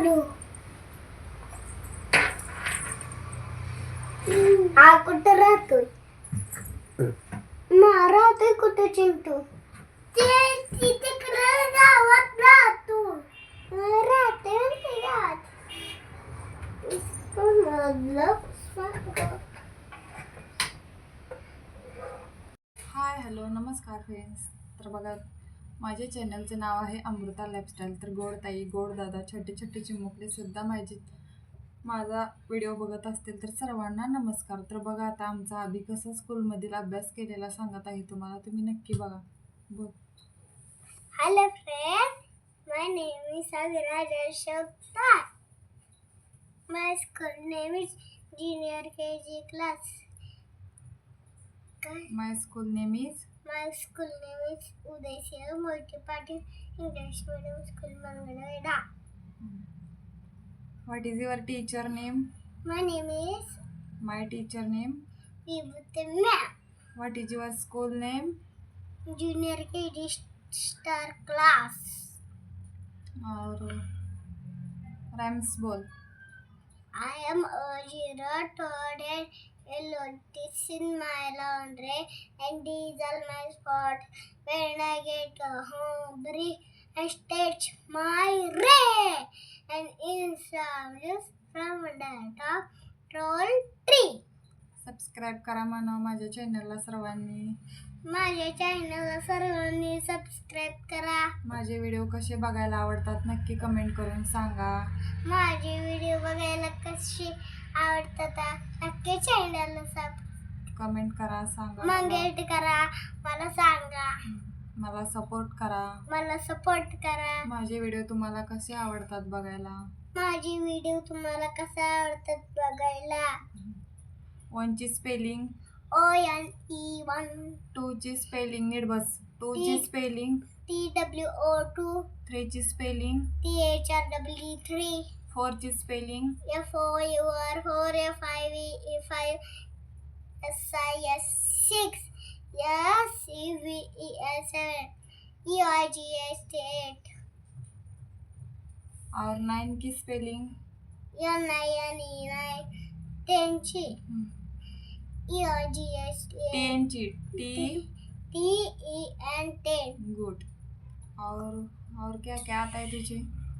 करू? हा कुठं राहतोय? राहतोय कुठं चिंटू? तिकडे गावात राहतो. राहते म्हणते गावात. हाय हॅलो नमस्कार फ्रेंड्स. तर बघा, माझ्या चॅनलचे नाव आहे अमृता लाईफस्टाईल. तर गोड ताई, गोड दादा, छोटे छोटे चिमुकले सुद्धा माझा व्हिडिओ बघत असतील तर सर्वांना नमस्कार. तर बघा, आता आमचा अभि कसा स्कूलमधील अभ्यास केलेला सांगत आहे तुम्हाला, तुम्ही नक्की बघा. बोल. Hello friends, my name is Aviraj Ashokta. My school name is Junior KG class. My school name is My school name is Udayasya Multiparty English Medium School Mangalore. What is your teacher name? My name is my teacher name. Vibhuti Ma'am. What is your school name? Junior KG Star Class. और रैम्स बोल. I am a zero toad and yellow ticks in my laundry, and these are my spots when I get hungry and stretch my ray and insomnious from the top tall tree. Subscribe करा म्हणा माझ्या चॅनलला सर्वांनी. माझ्या चॅनलला सर्वांनी subscribe करा. माझे व्हिडिओ कसे बघायला आवडतात नक्की कमेंट करून सांगा. माझे व्हिडिओ बघायला कसे आवडतात नक्की चॅनलला कमेंट करा, सांगा. मंगेट करा, मला सांगा. मला सपोर्ट करा. मला सपोर्ट करा. माझे व्हिडिओ तुम्हाला कसे आवडतात बघायला. माझी व्हिडिओ तुम्हाला कसे आवडतात बघायला. 1 ची स्पेलिंग ONE1. 2 ची स्पेलिंग नीट बस. 2 ची स्पेलिंग TWO2. 3 ची स्पेलिंग THRW3. 4 ची spelling FOUR4. FIVE5. SIS6. SEVES7. EIGS8. और 9 की स्पेलिंग NINE9. 10 ची EIGS8. 10 ची TEN10. गुड. और क्या क्या आता है तुझे?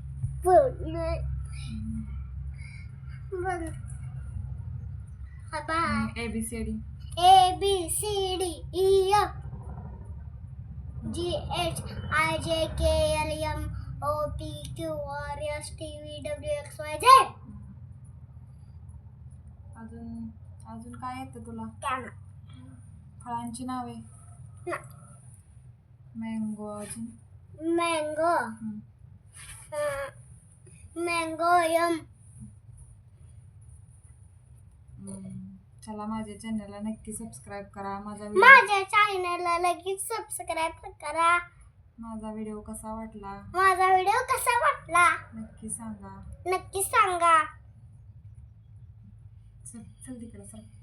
ABCD. ABCDEF GHIJKLMOPQRSTVWXYZ. अजून काय येतं तुला? फळांची नावे? मँगो. अजून मँगो. मँगोयम. चला, माझ्या चॅनलला नक्की सबस्क्राईब करा. माझ्या चॅनलला लगेच सबस्क्राईब करा. माझा व्हिडिओ कसा वाटला नक्की सांगा. नक्की सांगा. चल तिकडे सर.